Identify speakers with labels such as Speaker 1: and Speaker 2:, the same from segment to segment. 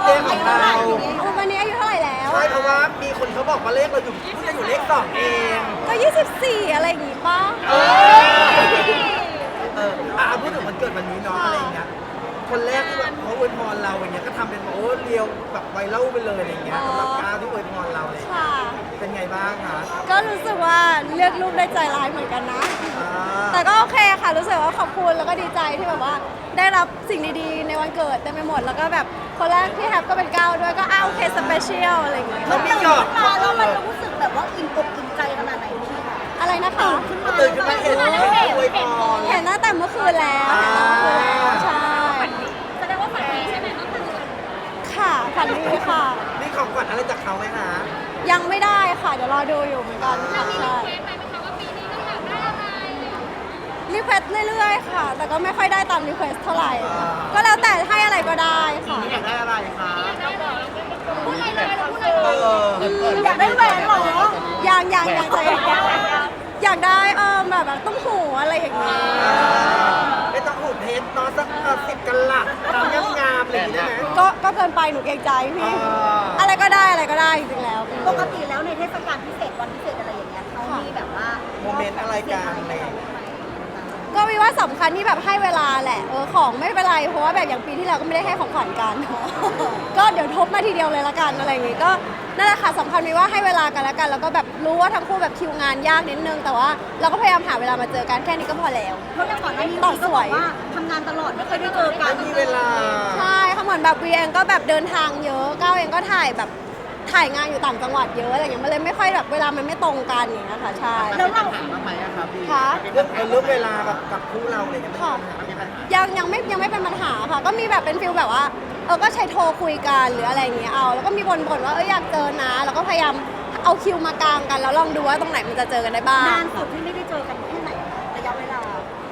Speaker 1: ดย์ของเรา
Speaker 2: วันนี้อายุเท่าไหร่แล้ว
Speaker 1: ใช่เพราะว่ามีคนเขาบอกว่าเลขเราอยู่เพิ่งจะอยู่เลข2เอง
Speaker 2: ก็24อะไรอย่างงี้ป่ะ
Speaker 1: พูดถึงวันเกิดวันนี้เนาะอะไรอย่างเงี้ยคนแรกที่แบบเขาอวยพรเราอย่างเงี้ยก็ทำเป็นโอ้เรียวแบบไวรัลไปเลยอะไรอย่างเงี้ยสำหรับก้าวที่อวยพรเราเลย
Speaker 2: ค่ะ
Speaker 1: เป็นไงบ้างคะ
Speaker 2: ก็รู้สึกว่าเลือกรูปได้ใจร้ายเหมือนกันนะ
Speaker 1: อ่า
Speaker 2: แต่ก็โอเคค่ะรู้สึกว่าขอบคุณแล้วก็ดีใจที่แบบว่าได้รับสิ่งดีๆในวันเกิดเต็มไปหมดแล้วก็แบบคนแรกที่แฮปก็เป็นก้าวด้วยก็โอเคสเปเชียลอะไรอย่างเงี้ย
Speaker 1: แล้วมีหยอด
Speaker 3: มาแล้วมันรู้สึกแบบว่าอิ่มอกอิ่มใจขนาดไหนพี่ค่ะ
Speaker 2: อะไรนะคะ
Speaker 1: ตื่นขึ้นมาเห็นอวยพร
Speaker 2: เห็นตั้งแต่เมื่อคืนแล้วเห็นตั้งแต่เมื่อคืนแล้วใช่
Speaker 3: แสดงว่าฝันดีใช่ไหมเมื่อคืน
Speaker 2: ค่ะฝันดีค่ะ
Speaker 1: มีของขวัญอะไรจากเขาไหมคะ
Speaker 2: ยังไม่ได้ค่ะเดี๋ยวรอดูอยู่เหมือนกันค่ะใช่
Speaker 3: เค้กไหมคะว่าปีนี้ก็อยากได้อะไร
Speaker 2: รีเควสเรื่อยๆค่ะ แต่ก็ไม่ค่อยได้ตามรีเควสเท่าไหร่ ก็แล้วแต่ให้อะไรก็ได้ค่ะ
Speaker 1: อยากได้อะไรคะ
Speaker 3: พูดอะไรเลยเราพูดอะไร
Speaker 1: เอ
Speaker 3: เลย
Speaker 1: อ
Speaker 3: อยากได้แหวนเหรอ
Speaker 2: อย่างใจอยากได้แบบต้องหูอะไรอย่างเงี้ย
Speaker 1: ไม่ต้องหูเพชรเนาะสัก10กันหลักงามๆอะไรอย่างเงี้ยได้ไหม
Speaker 2: ก็เกินไปหนูเกรงใจพี่
Speaker 1: อ่า
Speaker 2: อะไรก็ได้จริงๆแล้ว
Speaker 3: ปกติแล้วในเทศกาลพิเศษวันพิเศษอะไรอย่างเงี้ยเขามีแบบว่า
Speaker 1: โมเมนต์อะไรกันอะไรอย่างเงี้ย
Speaker 2: ก็วิว่าสำคัญที่แบบให้เวลาแหละของไม่เป็นไรเพราะว่าแบบอย่างปีที่แล้วก็ไม่ได้ให้ของขวัญกัน ก็เดี๋ยวทบมาทีเดียวเลยละกันอะไรอย่างงี้ก็นั่นแหละค่ะสำคัญวิว่าให้เวลากันแล้วกันแล้วก็แบบรู้ว่าทั้งคู่แบบคิวงานยากนิดนึงแต่ว่าเราก็พยายามหาเวลามาเจอกันแค่นี้ก็พอแล้ว
Speaker 3: เพราะอย่างก่อนหน้านี้
Speaker 2: ต่อ
Speaker 3: พี่
Speaker 2: ส
Speaker 3: ก็
Speaker 2: ว
Speaker 3: บอย กว่าทำงานตลอดไม่เคยได้เจอกัน
Speaker 1: ไม่มีเวลา
Speaker 2: ใช่ค่ะเหมือนแบบวีเองก็แบบเดินทางเยอะก้าวเองก็ถ่ายงานอยู่ต่างจังหวัดเยอะอะไรอย่างเงี้ยมันเลยไม่ค่อยแบบเวลามันไม่ตรงกันอย่างเงี้ยค่ะใช่
Speaker 3: แล้วเรา
Speaker 1: ถามมาไหมอะครับพี่
Speaker 2: ค่ะ
Speaker 1: เรื่องเวลากับคู่เราอะไรอย่างเงี้ยมันมีปัญหา
Speaker 2: ยังไม่เป็นปัญหาค่ะ ก็มีแบบเป็นฟิลแบบว่าก็ใช้โทรคุยกันหรืออะไรอย่างเงี้ยเอาแล้วก็มีบ่นว่าอยากเจอนะแล้วก็พยายามเอาคิวมากางกันแล้วลองดูว่าตรงไหนมันจะเจอกันได้บ้าง
Speaker 3: นานสุดที่ไม่ได้เจอกันแค่ไหนระยะเวลา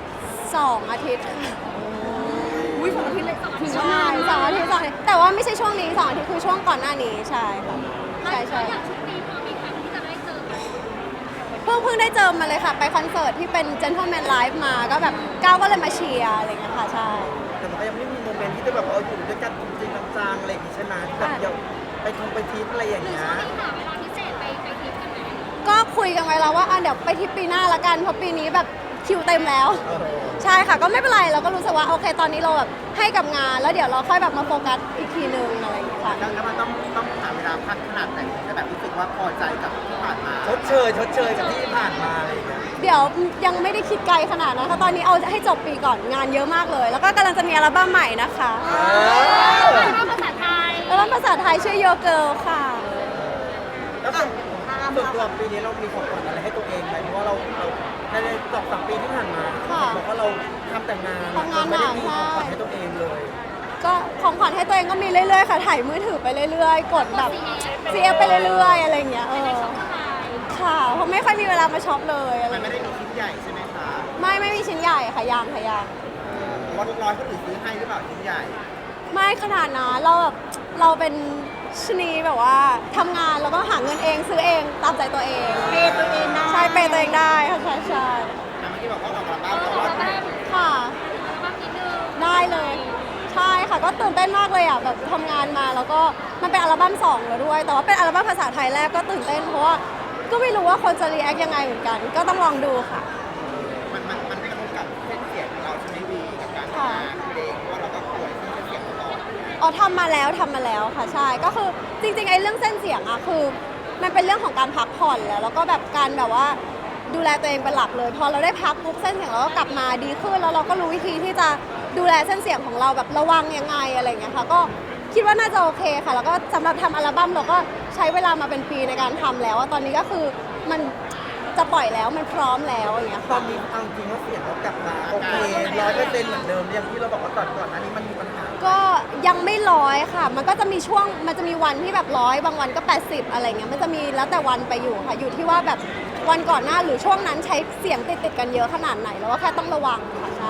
Speaker 2: 2 อาทิตย์ค่ะ
Speaker 3: อุ้ย2 อาทิตย์เลยถึง
Speaker 2: ใช่2 อาทิตย์แต่ว่าไม่ใช่ช่วงนี้2 อาทิตย์คือช่วงก่อนหน้านี้ใช่ค่ะใช่
Speaker 3: อย่างชุดนี้พอมีครั้งที่จะได้เจอกัน
Speaker 2: เพิ่งได้เจอมาเลยค่ะไปคอนเสิร์ตที่เป็น Gentleman Live มาก็แบบก้าวก็เลยมาเชียร์อะไรอย่างเงี้ยค่ะใช่
Speaker 1: แต่มันก็ยังไม่มีโมเมนต์ที่จะแบบอยู่ด้วยกันจริงๆจังๆอะไรอย่างงี้ใช่ไหมที่แบบเดี๋ยวไปทริปอะไรอย่างเงี้ย
Speaker 3: หาเวลาพิเศษไปทริปกันไหม
Speaker 2: ก็คุยกันไว้แล้วว่าเดี๋ยวไปทริปปีหน้าละกันเพราะปีนี้แบบคิวเต็มแล้ว ใช่ค่ะก็ไม่เป็นไรเราก็รู้สึกว่าโอเคตอนนี้เราแบบให้กับงานแล้วเดี๋ยวเราค่อยแบบมาโฟกัสอีกทีนึงอะไรอย่างเงี้ยค่ะ
Speaker 4: แล้วมันต้องหาเวลาพักขนาดไหนถึงจะแบบรู้สึกว่าพอใจกับที่ผ่านมา
Speaker 1: ชดเชยกับที่ผ่านมาอะไรอย่างเงี้ย
Speaker 2: เดี๋ยวยังไม่ได้คิดไกลขนาดนั้นค่ะตอนนี้เอาให้จบปีก่อนงานเยอะมากเลย แล้วก็กำลังจะมีอัลบั้มใหม่นะคะ
Speaker 3: ภาษาไทย
Speaker 2: อัลบั้มภาษาไทยชื่อ Your Girl ค่ะ
Speaker 1: แล้วส่วนตัวปีนี้เรามีของขวัญอะไรให้ตัวเองไหมเพราะว่าเราใน2-3 ปีที่ผ่านมา
Speaker 2: ค่ะ
Speaker 1: บอกว่าเราทำแต่งาน
Speaker 2: ทำงานหนัก
Speaker 1: ไม่ได้มีของขวัญให้ตัวเองเลย
Speaker 2: ก็ของขวัญให้ตัวเองก็มีเรื่อยๆค่ะถ่ายมือถือไปเรื่อยๆ กดแบบ CF ไปเรื่อยๆอะไรอย่างเงี้ยค่ะเพราะไม่ค่อยมีเวลามาช็อปเลยอะไร
Speaker 4: มันไม่ได้มีชิ้นใหญ่ใช่ไหมคะ
Speaker 2: ไม่มีชิ้นใหญ่ค่ะยังค่ะยัง
Speaker 4: หรือว่าร้อยคนอื่นซื้อให้หรือเปล่าชิ้นใหญ่
Speaker 2: ไม่ขนาดนั้นเราเป็นชะนีแบบว่าทำงานแล้วก็หาเงินเองซื้อเองตามใจตัวเอง
Speaker 3: เปย์ตัวเองได้
Speaker 2: ใช่เปย์ตัวเองได้ค่ะใช่
Speaker 4: แต่เมื่อกี้บอกว่าออกอัลบั้มแต่ว่า
Speaker 2: ค่ะ
Speaker 3: บ้างนิดนึง
Speaker 2: ได้เลย ใช่ค่ะก็ตื่นเต้นมากเลยอ่ะแบบทำงานมาแล้วก็มันเป็นอัลบั้ม2แล้วด้วย แต่ว่าเป็นอัลบั้มภาษาไทยแรกก็ตื่นเต้นเพราะว่าก็ไม่รู้ว่าคนจะรีแอคยังไงเหมือนกัน ก็ต้องลองดูค่ะ
Speaker 4: มันไม่กระทบกับเส้นเสียงของเราใช่ไหมวีกับการทำงานเพลงเพราะว่าเราก็ป่วยเส้นเสียงตลอด
Speaker 2: อ๋อทำมาแล้วค่ะใช่ก็คือจริงๆไอ้เรื่องเส้นเสียงอะคือมันเป็นเรื่องของการพักผ่อนแล้วก็แบบการแบบว่าดูแลตัวเองเป็นหลักเลยพอเราได้พักปุ๊บเส้นเสียงเราก็กลับมาดีขึ้นแล้วเราก็รู้วิธีที่จะดูแลเส้นเสียงของเราแบบระวังยังไงอะไรอย่างเงี้ยค่ะก็คิดว่าน่าจะโอเคค่ะแล้วก็สำหรับทำอัลบั้มเราก็ใช้เวลามาเป็นปีในการทำแล้วอะตอนนี้ก็คือมันจะปล่อยแล้วมันพร้อมแล้วอย่างเงี้ย
Speaker 1: ตอ
Speaker 2: ค่ะ
Speaker 1: นนี้เอาจริงว่าเสียงเรากลับมาโอเค100%เหมือนเดิมอย่างที่เราบอกว่าก่อนหน้านี้มันมีปัญหา
Speaker 2: ก็ยังไม่100ค่ะ มันก็จะมีช่วง มันจะมีวันที่แบบ100บางวันก็80อะไรเงี้ย มันจะมีแล้วแต่วันไปอยู่ค่ะ อยู่ที่ว่าแบบวันก่อนหน้าหรือช่วงนั้นใช้เสียงติดกันเยอะขนาดไหน แล้วว่าแค่ต้องระวังค่ะใช่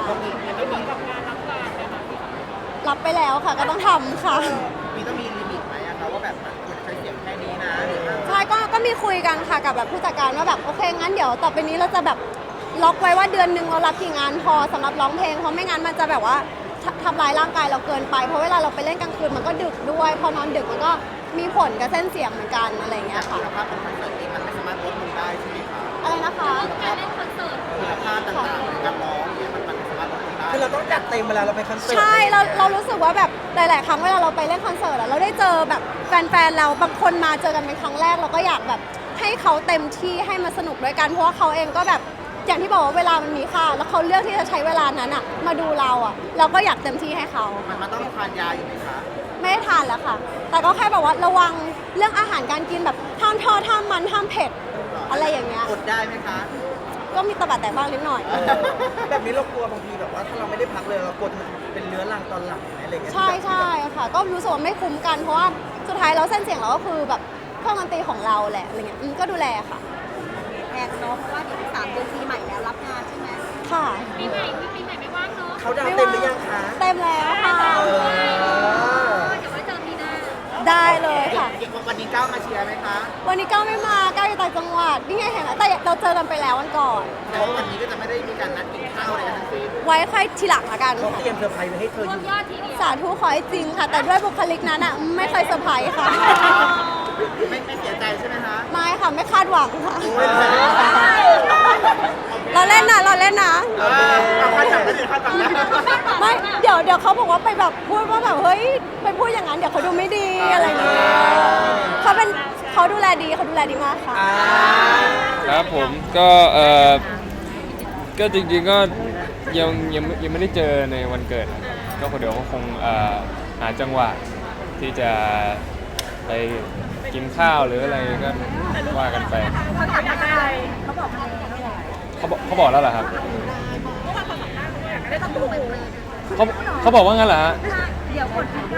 Speaker 2: รับไปแล้วค่ะ ก็ต้องทำค่ะ
Speaker 4: มีต้องมีลิมิตไหมอะคะว่าแบบมันควรจะใช้เสียงแค่นี้นะหรือว่า
Speaker 2: ใช่ก็มีคุยกันค่ะกับแบบผู้จัดการว่าแบบโอเคงั้นเดี๋ยวต่อไปนี้เราจะแบบล็อกไว้ว่าเดือนหนึ่งเรารับกี่งานพอสำหรับร้องเพลงเพราะไม่งั้นมันจะแบบว่าททำร้ายร่างกายเราเกินไปเพราะเวลาเราไปเล่นกลางคืนมันก็ดึกด้วยพอนอนดึกมันก็มีผลกับเส้นเสียงเหมือนกันอะไรอย่างเงี้ยค่ะ
Speaker 4: คุณภาพของคอนเสิร์ตนี้มันไม่สามารถลดลงได้ใช่ไหมคะ
Speaker 2: อะไรนะคะ
Speaker 3: การเล่นคอนเสิร์ต
Speaker 4: คุณภาพต่างๆการร้องเนี่ยมันไม่สามารถลดลงได้
Speaker 1: คือเราต้องจัดเต็มเวลาเราไปคอนเสิร์ต
Speaker 2: ใช่เรารู้สึกว่าแบบหลาย ๆ ครั้งเวลาเราไปเล่นคอนเสิร์ตอะเราได้เจอแบบแฟน ๆ เราบางคนมาเจอกันเป็นครั้งแรกเราก็อยากแบบให้เขาเต็มที่ให้มาสนุกด้วยกันเพราะว่าเขาเองก็แบบอย่างที่บอกว่าเวลามันมีค่าแล้วเขาเลือกที่จะใช้เวลานั้นอะมาดูเราอะเราก็อยากเต็มที่ให้เขา
Speaker 4: มันต้องทานยาอยู่ไหมคะ
Speaker 2: ไม่ได้ทานแล้วค่ะ แต่ก็แค่แบบว่าระวังเรื่องอาหารการกินแบบห้ามทอดห้ามมันห้ามเผ็ดอะไรอย่างเงี้ย
Speaker 4: อดได้ไหมคะ
Speaker 2: ก็มีตะบัดแตกบ้างนิดหน่อย
Speaker 1: แบบนี้เรากลัวบางทีแบบว่าถ้าเราไม่ได้พักเลยเรากลัวมันเป็นเรื้อรังตอนหลังไหมอะไรเงี้ย
Speaker 2: ใช่ใช่ค่ะ ก็รู้สึกว่าไม่คุ้มกัน เพราะว่าสุดท้ายแล้วเส้นเสียงเราก็คือแบบเครื่องดนตรีของเราแหละอะไรเงี้ยก็ดูแลค่ะ
Speaker 3: แอนเนาะเพราะว่าเดี๋ยว3 เดือนปีใหม่แล้วรับงานใช่ไหม
Speaker 2: ค่ะ
Speaker 3: ปีใหม่ไม่ว่างเนาะ
Speaker 1: เขาดาวน์เต็มหรือยังคะ
Speaker 2: เต็มแล้วค่ะ
Speaker 1: เออ
Speaker 3: เดี๋ยวไว้เจอปีหน้า
Speaker 2: ได้เลยค่ะ
Speaker 4: วันนี้ก้าวมาเชียร์ไหมคะ
Speaker 2: วันนี้ก้าวไม่มาก้าวอยู่ต่างจังหวัดนี่ไงเห็นไหมแต่เราเจอกันไปแล้ววันก่อน
Speaker 4: แต่ว่าวันนี้ก็จะไม่ได้มีการนัดกินข้าวอะไรกันทั้งสิ้น
Speaker 2: ไว้ค่อยทีหลังละกัน
Speaker 1: เขาเตรียมเซอร์ไพรส์ไว้ให้เธออยู่
Speaker 3: ยอดทีเดียว
Speaker 2: สาธุขอให้จริงค่ะ แต่ด้วยบุคลิกนั้นอ่ะไม่เคยเซอร์ไพรส์ค่ะ
Speaker 4: ไม่เสียใจใช่ไหมคะ
Speaker 2: ไม่ค่ะไม่คาดหวังค่ะ
Speaker 1: ไม่แพ้
Speaker 2: เราเล่นนะเราเล่นนะ
Speaker 4: เอาข้าวจับได้เลยข้าวจับได้
Speaker 2: ไม่เดี๋ยวเขาบอกว่าไปแบบพูดว่าแบบเฮ้ยไปพูดอย่างนั้นเดี๋ยวเขาดูไม่ดีอะไรอย่างเงี้ยเขาดูแลดีมากค่ะ
Speaker 1: อ่า
Speaker 5: ครับผมก็ก็จริงๆก็ยังไม่ได้เจอในวันเกิดครับก็เดี๋ยวก็คงหาจังหวะที่จะไปกินข้าวหรืออะไรก็ว่ากันไป
Speaker 3: เขาอยากได้อะไรเขาบอกมาแล้ว
Speaker 5: เขาบอกแล้วเหรอครับ
Speaker 3: ได้ต้องดูไปเลย
Speaker 5: เขาบอกว่างั้นเหรอฮะ
Speaker 3: เดี๋ยวกดที่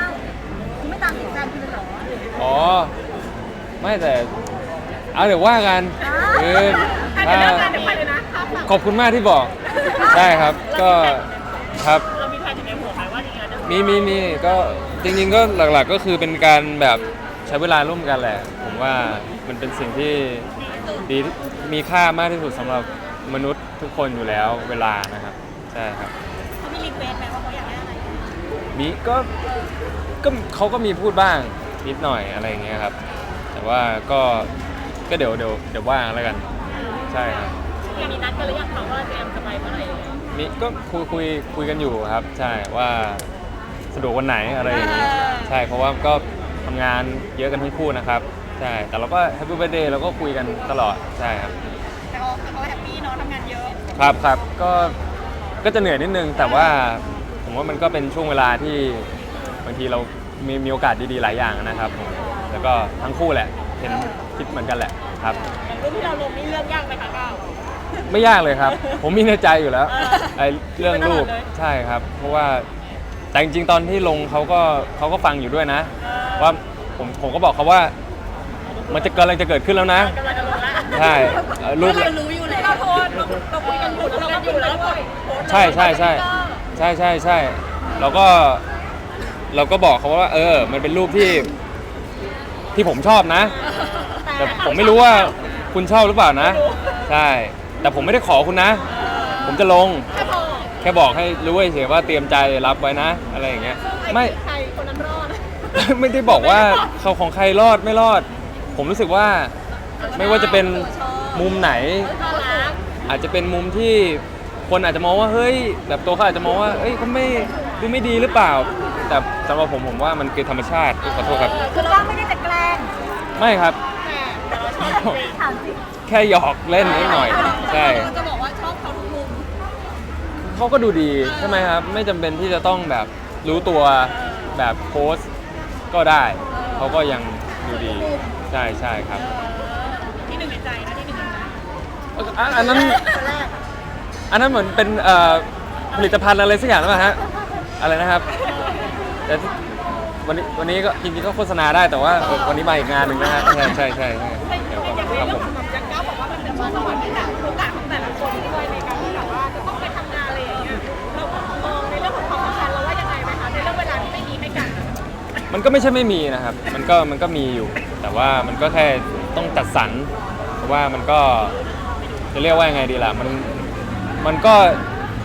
Speaker 3: 9คุณไม่ตามติดแฟนคุณเลยเหรอ
Speaker 5: อ๋อไม่แต่เอาเดี๋ยวว่ากันคือถ้าขอบคุณมากที่บอกได้ครับก็ครับเรามีแผนในหัวไหมว่ายังไงมีก็จริงๆก็หลักๆก็คือเป็นการแบบใช้เวลาร่วมกันแหละผมว่ามันเป็นสิ่งที่ดีมีค่ามากที่สุดสำหรับมนุษย์ทุกคนอยู่แล้วเวลานะครับใช่ครับ
Speaker 3: เขามีรีเควสไหมว่าเขาอยากได้อะไร
Speaker 5: มีก็เขาก็มีพูดบ้างนิดหน่อยอะไรอย่างเงี้ยครับ แต่ว่าก็เดี๋ยวว่างแล้วกันใช่ครับ
Speaker 3: ยังมีนัดกันหรือยังคะว่าจะไปเมื่อไหร่
Speaker 5: มีก็คุยกันอยู่ครับ ใช่ว่าสะดวกวันไหนอะไรอย่างงี้ใช่เพราะว่าก็ทำงานเยอะกันทั้งคู่นะครับใช่แต่เราก็แฮปปี้เบิร์ธเดย์เราก็คุยกันตลอดใช่ครับ
Speaker 3: แต่เขาแฮปปี้เนาะทำงานเยอะ
Speaker 5: ครับก็จะเหนื่อยนิดนึงแต่ว่าผมว่ามันก็เป็นช่วงเวลาที่บางทีเรามีโอกาสดีๆหลายอย่างนะครับผมแล้วก็ทั้งคู่แหละเห็นคิดเหมือนกันแหละครับ
Speaker 3: รุ่นที่เราลงนี่เลือกยากไหมคะก้าว
Speaker 5: ไม่ยากเลยครับ ผมมีในใจอยู่แล้วไอ้เรื่องรูปใช่ครับ เพราะว่าแต่จริงๆตอนที่ลงเขาก็ฟังอยู่ด้วยนะ ว่าผมก็บอกเขาว่ามันจะกำลังจะเกิดขึ้นแล้วนะ
Speaker 3: กำลังจะลงละ
Speaker 5: ใช่รูป
Speaker 3: เรารู้อยู่แล้วเราโพสเราคุยกันอยู่เราอยู่แล้ว
Speaker 5: ใช่เราก็บอกเขาว่ามันเป็นรูปที่ผมชอบนะ แต่ผมไม่รู้ว่าคุณชอบหรือเปล่านะ ใช่ แต่ผมไม่ได้ขอคุณนะ ผมจะลง แค่บอกให้รู้เฉยๆว่าเตรียมใจรับไว้นะ อะไรอย่างเงี้ยไม่
Speaker 3: ใครคนนั้นรอด
Speaker 5: ไม่ได้บอกว่าเขาของใครรอดไม่รอด ผมรู้สึกว่าไม่ว่าจะเป็นมุมไหน อาจจะเป็นมุมที่คนอาจจะมองว่าเฮ้ยแบบตัวเขาอาจจะมองว่าเอ้ยเขาไม่ดีหรือเปล่า แต่สำหรับผมว่ามันคือธรรมชาติขอโทษครับ
Speaker 3: คือเราไม่ได้จะแกล้ง
Speaker 5: ไม่ครับ
Speaker 3: ถามจริง
Speaker 5: แค่หยอกเล่นนิดหน่อยใช่
Speaker 3: จะบอกว่าชอบเขาทุกมุม
Speaker 5: เขาก็ดูดีใช่ไหมครับ ไม่จำเป็นที่จะต้องแบบรู้ตัวแบบโพสต์ก็ได้เขาก็ยังดูดีใช่ครับ
Speaker 3: ที่หนึ่งในใจนะที่หนึ่งในใจ
Speaker 5: อันนั้นเหมือนเป็นผลิตภัณฑ์อะไรสักอย่างหรือเปล่าฮะอะไรนะครับแต่วันนี้ก็จริงๆก็โฆษณาได้แต่ว่าวันนี้มาอีกงานหนึ่งนะฮะใช่ครับผม
Speaker 3: อย่างก้าวบอกว่ามันเป็นสวรรค์ที่แบบโอกาสของแต่ละคนด้วยในการที่แบบว่าจะต้องไปทำงานอะไรอย่างเงี้ยเรามองในเรื่องของความสัมพันธ์เราว่ายังไงไหมคะในเรื่องเวลาที่ไม่มีให้กัน
Speaker 5: มันก็ไม่ใช่ไม่มีนะครับมันก็มีอยู่ แต่ว่ามันก็แค่ต้องจัดสรรเพราะว่ามันก็จะเรียกว่ายังไงดีล่ะมันก็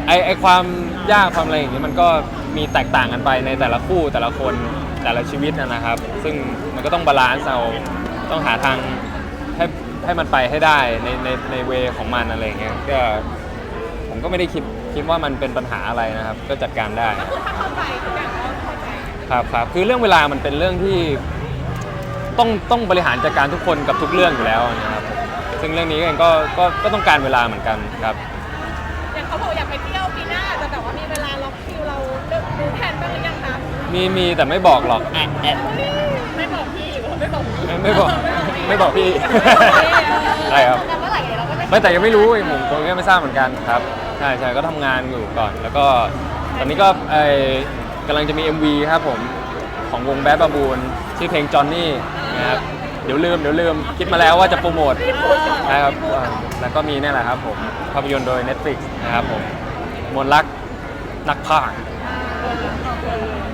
Speaker 5: ไอความยากความอะไรอย่างนี้มันก็มีแตกต่างกันไปในแต่ละคู่แต่ละคนแต่ละชีวิตนะครับ ซึ่งมันก็ต้องบาลานซ์เอาต้องหาทางให้มันไปให้ได้ในเวของมันอะไรอย่างเงี้ยก็ผมก็ไม่ได้คิดว่ามันเป็นปัญหาอะไรนะครับ ก็จัดการได้
Speaker 3: ถ้าเข้าใจทุกอย่างก็เข้าใจ
Speaker 5: ครับคือเรื่องเวลามันเป็นเรื่องที่ต้องบริหารจัดการทุกคนกับทุกเรื่องอยู่แล้วนะครับซึ่งเรื่องนี้เองก็ต้องการเวลาเหมือนกันครับ
Speaker 3: อย่างเขาบอกอยากไปเที่ยวปีหน้าแต่แบบว่ามีเวลาล็อกคิวเราดูแผนบ้างหรือยังคะ
Speaker 5: มีแต่ไม่บอกหรอกแอะ
Speaker 3: ไม่บอกพี่หรือว่าไม่บอกพี่
Speaker 5: ไม่บอกพี่ ใช่ครับ
Speaker 3: แต่เมื่อไหร่เราก็จะ
Speaker 5: ไม่แต่ยังไม่รู้ผมตรงนี้ไม่ทราบเหมือนกันครับใช่ก็ทำงานอยู่ก่อน แล้วก็ตอนนี้ก็กำลังจะมี MV ครับผมของวงแบดบาบูนชื่อเพลงจอนนี่นะครับเดี๋ยวลืมคิดมาแล้วว่าจะโปรโมทนะครับแล้วก็มีนี่แหละครับผมภาพยนตร์โดย Netflix นะครับผมมนต์รักนักพากย์